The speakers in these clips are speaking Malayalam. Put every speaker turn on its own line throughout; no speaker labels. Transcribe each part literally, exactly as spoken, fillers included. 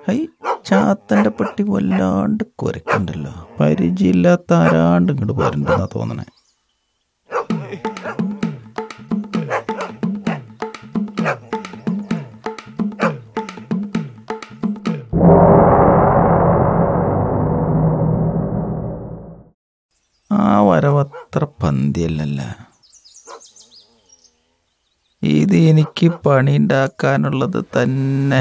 ഹൈ, ചാത്തൻ്റെ പട്ടി വല്ലാണ്ട് കുരക്കുണ്ടല്ലോ. പരിചയമില്ലാത്ത ആരാണ്ട് ഇങ്ങോട്ട് പോരണ്ടെന്നാ തോന്നണേ. ആ വരവത്ര പന്തിയല്ലല്ല. ഇത് എനിക്ക് പണി ഉണ്ടാക്കാനുള്ളത് തന്നെ.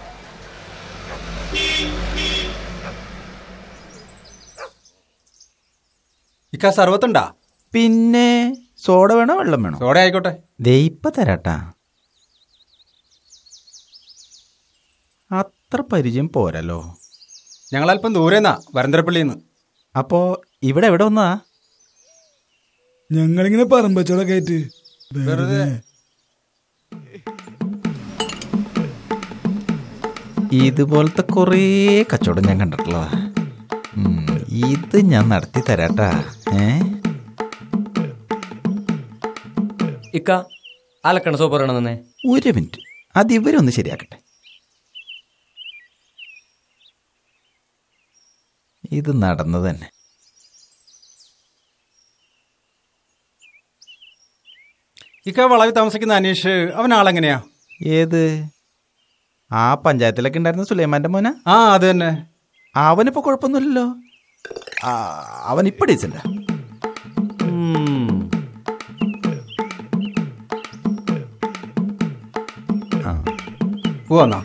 ഇക്ക സർവത്തുണ്ടാ?
പിന്നെ സോഡ വേണോ വെള്ളം വേണോ?
സോഡ ആയിക്കോട്ടെ.
ദയിപ്പ തരാട്ടാ. അത്ര പരിചയം പോരല്ലോ.
ഞങ്ങളല്പം ദൂരെന്നാ, വരന്തരപ്പള്ളിന്ന്.
അപ്പോ ഇവിടെ എവിടെ വന്നതാ?
ഞങ്ങളിങ്ങനെ പറമ്പച്ചോടൊക്കെ ആയിട്ട്
വെറുതെ.
ഇതുപോലത്തെ കുറേ കച്ചവടം ഞാൻ കണ്ടിട്ടുള്ളതാ. ഇത് ഞാൻ നടത്തി തരാട്ടാ. ഏ
ഇക്ക അലക്കണ സോപ്പ് പറയണമെന്നേ.
ഒരു മിനിറ്റ്, അത് ഇവരൊന്ന് ശരിയാക്കട്ടെ. ഇത് നടന്നു തന്നെ.
ഇക്ക വളവിൽ താമസിക്കുന്ന അനീഷ്, അവൻ ആളെങ്ങനെയാ?
ഏത്? ആ പഞ്ചായത്തിലൊക്കെ ഉണ്ടായിരുന്ന സുലൈമാന്റെ മോന?
ആ അത് തന്നെ.
അവനിപ്പോ കുഴപ്പമൊന്നുമില്ലല്ലോ. അവനിപ്പോ ഡീസന്റാ.
പോവാന്നാ?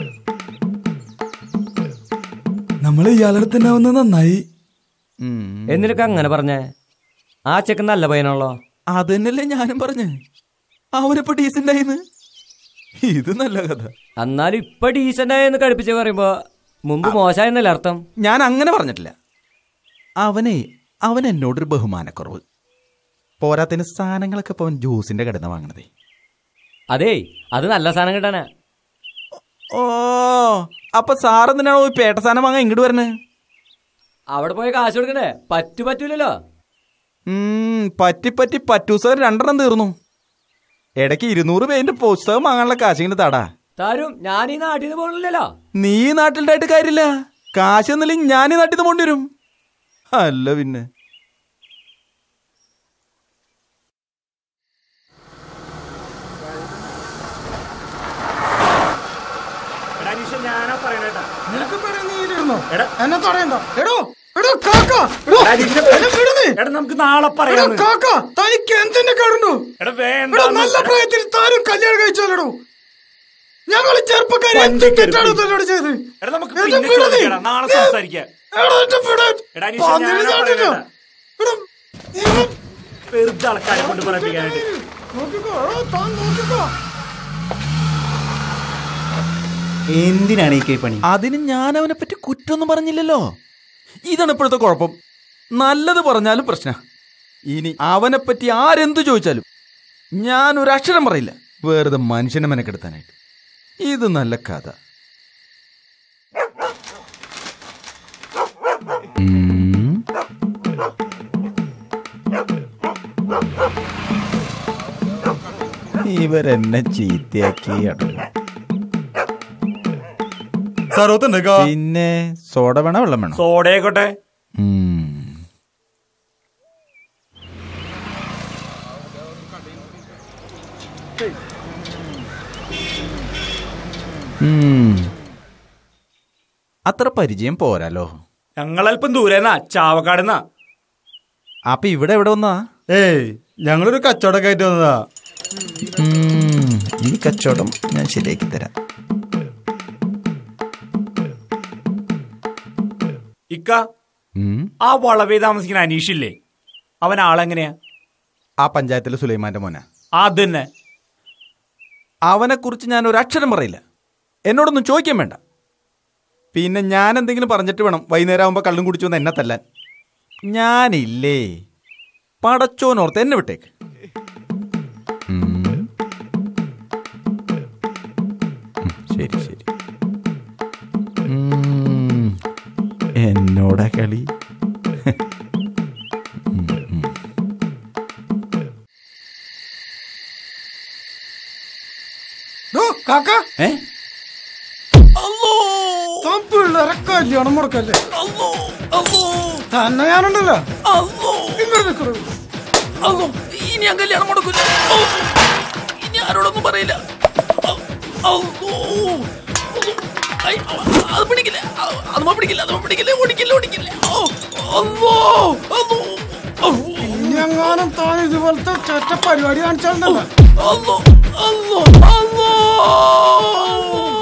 നമ്മള് ഇയാളുടെ തന്നെ വന്ന് നന്നായി.
എന്നിട്ടൊക്കെ അങ്ങനെ പറഞ്ഞേ? ആ ചെക്കൻ നല്ല പയ്യനാണല്ലോ.
അത് തന്നെയല്ലേ ഞാനും പറഞ്ഞ്. അവനിപ്പോ ഡീസന്റ് ആയിന്ന്. ഇത് നല്ല കഥ.
എന്നാലും ഇപ്പൊ ഡീസന്റ് ആയെന്ന് കടുപ്പിച്ച് പറയുമ്പോ മുമ്പ് മോശമായെന്നല്ലേ അർത്ഥം?
ഞാൻ അങ്ങനെ പറഞ്ഞിട്ടില്ല. അവനെ അവൻ എന്നോടൊരു ബഹുമാനക്കുറവ്. പോരാത്തിന് സാധനങ്ങളൊക്കെ ഇപ്പൊ അവൻ ജ്യൂസിന്റെ കടന്ന് വാങ്ങണതേ.
അതേ, അത് നല്ല സാധനം കിട്ടാനാ.
ഓ, അപ്പൊ സാറെന്തിനാണോ ഈ പേട്ട സാധനം വാങ്ങാൻ ഇങ്ങോട്ട് വരണേ?
അവിടെ പോയി കാശ് കൊടുക്കണ്ടേ? പറ്റു പറ്റൂലല്ലോ.
പറ്റി പറ്റി പറ്റൂസർ രണ്ടെണ്ണം തീർന്നു. ഇടയ്ക്ക് ഇരുന്നൂറ് പേരിന്റെ പുസ്തകം വാങ്ങാനുള്ള കാശിങ്ങനെ താടാ
താരും. ഞാൻ ഈ നാട്ടിൽ നിന്ന് പോകണില്ലല്ലോ.
നീ നാട്ടിലായിട്ട് കാര്യമില്ല. കാശ് എന്നില്ലെങ്കിൽ ഞാൻ ഈ നാട്ടിൽ നിന്ന് പോണ്ടി വരും. അല്ല പിന്നെ.
നമുക്ക് നാളെ പറയാം.
തനിക്ക് എന്തിന്റെ കേടുണ്ടോ? നല്ല പ്രായത്തിൽ താനും കല്യാണം കഴിച്ചോളൂ. ഞങ്ങൾ ചെറുപ്പക്കാരെ ചെയ്ത്
നാളെ സംസാരിക്കാം. വെറുതെ ആൾക്കാരെ കൊണ്ട് പറയിപ്പിക്കാനായിട്ട്.
എന്തിനാണ് ഈ പണി?
അതിന് ഞാൻ അവനെ പറ്റി കുറ്റമൊന്നും പറഞ്ഞില്ലല്ലോ. ഇതാണ് ഇപ്പോഴത്തെ കുഴപ്പം. നല്ലത് പറഞ്ഞാലും പ്രശ്ന. ഇനി അവനെ പറ്റി ആരെന്തു ചോദിച്ചാലും ഞാൻ ഒരു അക്ഷരം പറയില്ല, വെറുതെ മനുഷ്യനെ മെനക്കെടുത്താനായിട്ട്. ഇത് നല്ല കഥ. ഇവരെന്നെ ചീത്തയാക്കി അടങ്ങും. പിന്നെ സോഡ വേണോ വെള്ളം വേണോ?
സോഡ ആയിക്കോട്ടെ.
അത്ര പരിചയം പോരാലോ.
ഞങ്ങളല്പം ദൂരെന്നാ, ചാവക്കാടെന്നാ.
അപ്പൊ ഇവിടെ എവിടെ വന്നാ?
ഏയ്, ഞങ്ങളൊരു കച്ചവടമൊക്കെ ആയിട്ട് വന്നതാ.
ഈ കച്ചവടം ഞാൻ ശരിയാക്കി തരാം.
ഇക്ക, ആ വളവേ താമസിക്കുന്ന അനീഷില്ലേ, അവൻ ആളെങ്ങനെയാ?
ആ പഞ്ചായത്തിലെ സുലൈമാന്റെ മോന.
അത് തന്നെ.
അവനെ കുറിച്ച് ഞാൻ ഒരു അക്ഷരം പറയില്ല. എന്നോടൊന്നും ചോദിക്കാൻ വേണ്ട. പിന്നെ ഞാൻ എന്തെങ്കിലും പറഞ്ഞിട്ട് വേണം വൈകുന്നേരം ആകുമ്പോൾ കള്ളും കുടിച്ചു വന്ന് എന്നെ തല്ലാൻ. ഞാനില്ലേ, പടച്ചോനോർത്ത് എന്നെ വിട്ടേക്ക്. ശരി ശരി. എന്നോടാ കളി.
പിള്ളേരെ കല്യാണം മുടക്കല്ലേ തന്നെ ഞാനുണ്ടല്ലോ ഇങ്ങോട്ട് നിൽക്കണത്.
ഇനി ഞാൻ കല്യാണം മുടക്കില്ല. ഇനി ആരോടൊന്നും പറയില്ല. അത് പിടിക്കില്ല, അത് പിടിക്കില്ല, അത് പിടിക്കില്ല, ഓടിക്കില്ല, ഓടിക്കില്ല.
ഇനി എങ്ങാനും താൻ ഇതുപോലത്തെ ചേട്ട പരിപാടി കാണിച്ചാലുണ്ടല്ലോ.
അല്ലോ അല്ലോ അല്ലോ